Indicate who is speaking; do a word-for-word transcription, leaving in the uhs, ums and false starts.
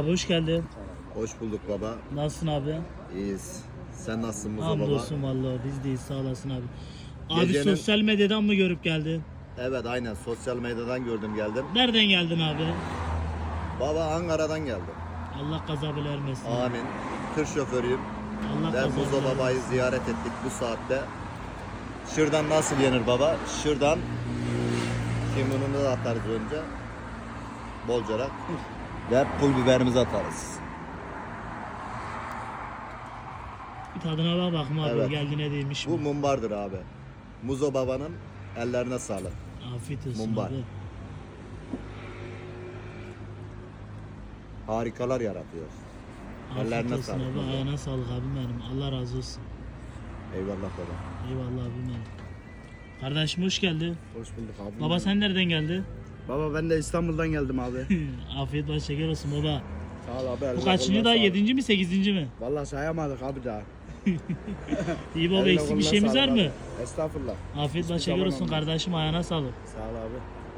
Speaker 1: hoş geldin.
Speaker 2: Hoş bulduk baba.
Speaker 1: Nasılsın abi?
Speaker 2: İyiyiz. Sen nasılsın Muzo baba?
Speaker 1: Hamdolsun vallahi biz deyiz, sağ olasın abi. Abi
Speaker 2: Gecenin-
Speaker 1: sosyal medyadan mı görüp geldin?
Speaker 2: Evet aynen sosyal medyadan gördüm geldim.
Speaker 1: Nereden geldin abi?
Speaker 2: Baba Ankara'dan geldim.
Speaker 1: Allah kaza bela vermesin.
Speaker 2: Amin. Tır şoförüyüm.
Speaker 1: Allah
Speaker 2: Ve
Speaker 1: kaza
Speaker 2: Muzo
Speaker 1: bela
Speaker 2: babayı
Speaker 1: vermesin.
Speaker 2: ziyaret ettik bu saatte. Şuradan nasıl yenir baba? Şuradan. Şimdi bunu da atarız önce. Bolcarak. Ve pul biberimizi atarız.
Speaker 1: Bir tadına bak bakma abi,
Speaker 2: Evet.
Speaker 1: geldiğine değmiş mi?
Speaker 2: Bu mumbardır abi. Muzo babanın ellerine sağlık.
Speaker 1: Afiyet olsun
Speaker 2: Mumbar.
Speaker 1: abi.
Speaker 2: Harikalar yaratıyor.
Speaker 1: Afiyet
Speaker 2: Ellerine
Speaker 1: olsun
Speaker 2: sağlık
Speaker 1: abi,
Speaker 2: baba.
Speaker 1: ayağına sağlık abim benim. Allah razı olsun.
Speaker 2: Eyvallah baba.
Speaker 1: Eyvallah abim benim. Kardeşim hoş geldin.
Speaker 3: Hoş bulduk abi.
Speaker 1: Baba sen nereden geldin?
Speaker 3: Baba ben de İstanbul'dan geldim abi.
Speaker 1: Afiyet baş şeker olsun baba.
Speaker 3: Sağ ol abi.
Speaker 1: Bu
Speaker 3: eline
Speaker 1: kaçıncı
Speaker 3: koluna
Speaker 1: daha?
Speaker 3: sağlık.
Speaker 1: Yedinci mi sekizinci mi?
Speaker 3: Vallahi sayamadık abi daha.
Speaker 1: İyi baba,
Speaker 3: Eline
Speaker 1: eksik bir
Speaker 3: koluna
Speaker 1: şeyimiz var
Speaker 3: sağlık
Speaker 1: mı?
Speaker 3: abi. Estağfurullah.
Speaker 1: Afiyet
Speaker 3: Hiçbir
Speaker 1: baş şeker
Speaker 3: zaman
Speaker 1: olsun
Speaker 3: olmaz.
Speaker 1: kardeşim, ayağına sağlık.
Speaker 3: Sağ ol abi.